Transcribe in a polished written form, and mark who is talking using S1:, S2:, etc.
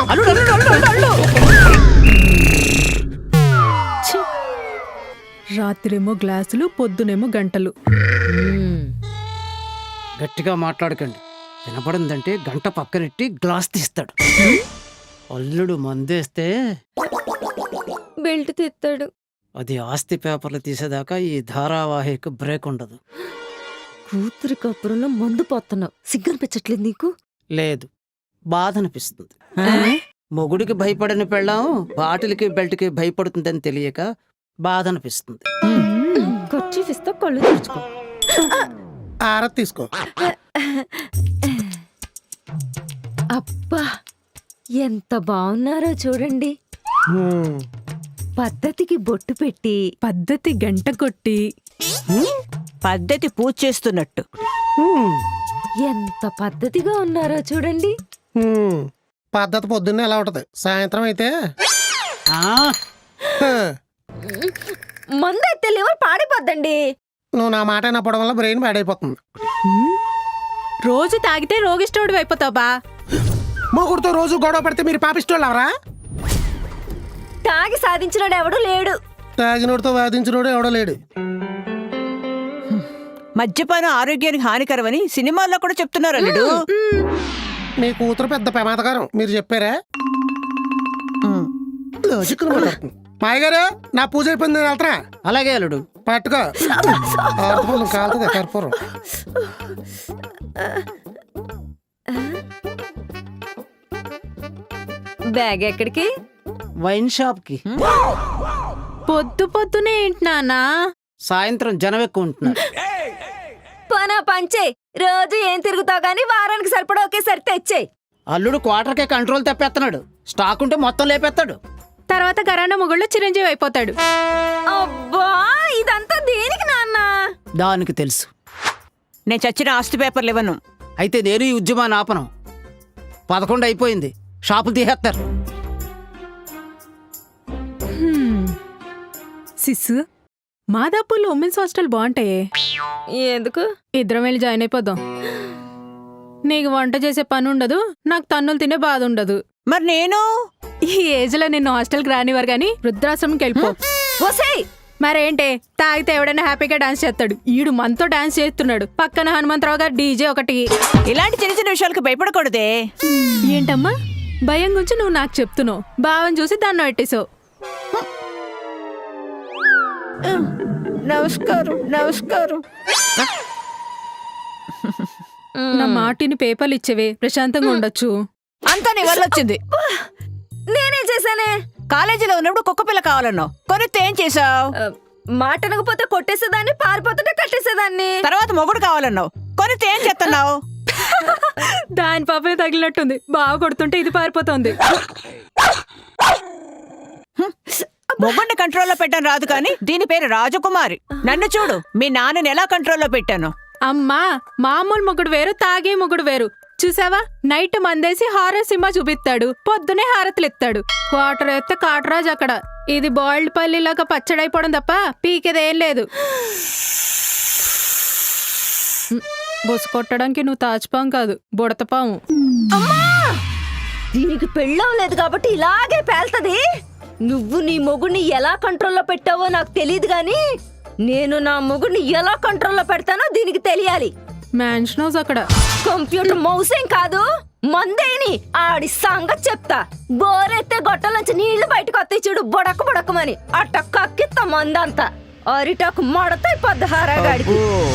S1: రాత్రేమో గ్లాసులు, పొద్దునేమో గంటలు.
S2: గట్టిగా మాట్లాడకండి. వినపడిందంటే గంట పక్కనెట్టి గ్లాస్ తీస్తాడు. అల్లుడు మందేస్తే
S3: బెల్ట్ తీస్తాడు.
S2: అది ఆస్తి పేపర్లు తీసేదాకా ఈ ధారావాహిక బ్రేక్ ఉండదు.
S3: కూతురి కప్పురంలో మందు పోతున్నావు, సిగ్గనిపించట్లేదు నీకు?
S2: లేదు, బాధ అనిపిస్తుంది. మొగుడికి భయపడని పెళ్ళాం బాటిల్కి బెల్ట్కి భయపడుతుందని తెలియక బాధ అనిపిస్తుంది.
S3: ఖర్చు ఇస్తా, కళ్ళు తెరుచుకో.
S4: ఆరతి తీసుకో.
S3: అబ్బా ఎంత బాగున్నారో చూడండి. పద్ధతికి బొట్టు పెట్టి,
S1: పద్ధతి గంట కొట్టి,
S5: పద్ధతి పూజ చేస్తున్నట్టు
S3: ఎంత పద్ధతిగా ఉన్నారో చూడండి.
S4: పద్ధతి పొద్దున్నే ఎలా ఉంటది, సాయంత్రం అయితే
S3: మందు అయితే లివర్ పాడైపోద్దండి.
S4: నువ్వు నా మాట వినపడం వల్ల బ్రెయిన్ పాడైపోతుంది.
S1: రోజు తాగితే రోగిష్టోడు అయిపోతావు బా.
S4: మొగుడుతో రోజు గొడవ పడితే మీరు పాపిస్తోళ్ళు ఎవరా?
S3: తాగి సాధించినాడు ఎవడు లేడు.
S4: తాగినోడితో వాదించినోడు ఎవడో లేడు.
S5: మద్యపానం ఆరోగ్యానికి హానికరమని సినిమాల్లో కూడా చెప్తున్నారు అల్లుడు.
S4: మీ కూతురు పెద్ద ప్రమాదకరం, మీరు చెప్పారా? మాయ గారు, నా పూజ అయిపోయింది, నేను వెళ్తున్నా.
S2: అలాగే అల్లుడు.
S4: పట్టుకో, కాలుతుంది కర్పూరం.
S3: బ్యాగ్ ఎక్కడికి?
S2: వైన్ షాప్ కి.
S1: పొద్దు పొద్దునే ఏంటి నాన్నా?
S2: సాయంత్రం జనం ఎక్కువ ఉంటున్నారు.
S3: పనా పంచే, రోజు ఏం తిరుగుతావు గానీ వారానికి సరిపడా ఒకేసారి తెచ్చేయి.
S2: అల్లుడు క్వార్టర్కే కంట్రోల్ తప్పేస్తున్నాడు. స్టాక్ ఉంటే మొత్తం లేపేస్తాడు.
S1: తర్వాత గరాణ మొగుళ్ళు చిరంజీవి అయిపోతాడు.
S3: అబ్బా ఇదంతా దేనికి నాన్న?
S2: దానికి తెలుసు.
S5: నేను చచ్చిన ఆస్తి పేపర్లు ఇవ్వను.
S2: అయితే నేను ఈ ఉద్యమాన్ని ఆపను. 11 అయిపోయింది, షాపులు తీసేస్తారు.
S1: సిస్సు, మాదాపూర్లో ఉమెన్స్ హాస్టల్ బాగుంటాయే.
S3: ఎందుకు?
S1: ఇద్దరం వెళ్ళి జాయిన్ అయిపోదాం. నీకు వంట చేసే పని ఉండదు, నాకు తన్నులు తినే బాధ ఉండదు.
S5: మరి నేను
S1: ఈ ఏజ్ లో నిన్ను హాస్టల్కి రానివారు గాని వృద్ధాశ్రమంకి వెళ్ళిపో. మరేంటే, తాగితే ఎవడైనా హ్యాపీగా డాన్స్ చేస్తాడు. ఈడు మనతో డాన్స్ చేస్తున్నాడు. పక్కన హనుమంతరావు గారు డీజే ఒకటి.
S5: ఇలాంటి చిన్న చిన్న విషయాలకు భయపడకూడదే.
S1: ఏంటమ్మా భయం గురించి నువ్వు నాకు చెప్తున్నావు? భావం చూసి దాన్ని పెట్టేశావు.
S5: నమస్కారం నమస్కారం.
S1: నా మాటిని పేపర్లు ఇచ్చేవే, ప్రశాంతంగా ఉండొచ్చు.
S5: అంతా నీ వల్ల వచ్చింది.
S3: నేనే చేశానే.
S5: కాలేజీలో ఉన్నప్పుడు కుక్క పిల్ల కావాలన్నావు, కొనితే ఏం చేసావు?
S3: మాట అనకపోతే కొట్టేసేదాన్ని, పారిపోతుంటే కట్టేసేదాన్ని.
S5: తర్వాత మొగుడు కావాలన్నావు, కొనితే ఏం చేస్తున్నావు?
S1: దాని పాపే తగిలినట్టుంది, బాగా కొడుతుంటే ఇది పారిపోతుంది.
S5: మొగుడిని కంట్రోల్లో పెట్టాను రాదు కానీ దీని పేరు రాజకుమారి. నన్ను చూడు, మీ నాన్నని ఎలా కంట్రోల్లో పెట్టాను.
S1: అమ్మా, మామూలు మొగుడు వేరు, తాగే మొగుడు వేరు. చూసావా, నైట్ మందేసి హారర్ సినిమా చూపిస్తాడు, పొద్దునే హారతులు ఎత్తాడు. క్వార్టర్ ఎత్తే కాటరాజు అక్కడ. ఇది బాయిల్డ్ పల్లిలాగా పచ్చడైపోవడం తప్ప పీకేదేం లేదు. బొసు కొట్టడానికి నువ్వు తాచుపాం కాదు, బుడతపాము.
S3: దీనికి పెళ్ళం లేదు కాబట్టి ఇలాగే పేల్తది. నువ్వు నీ మొగుడిని ఎలా కంట్రోల్లో పెట్టావో నాకు తెలియదు గాని నేను నా మొగుడిని ఎలా కంట్రోల్లో పెడతానో దీనికి తెలియాలి.
S1: మ్యాన్షన్ హౌస్ అక్కడ.
S3: కంప్యూటర్ మౌసేం కాదు, మందేని ఆడి సంగతి చెప్తా. బోరెత్తే గొట్టలోంచి నీళ్లు బయటకు వస్తాయి చూడు, బొడక బొడకమని. అట్ట కక్కిత్తా మందంతా. అరిటాకు మడతాయి 16 గాడికి.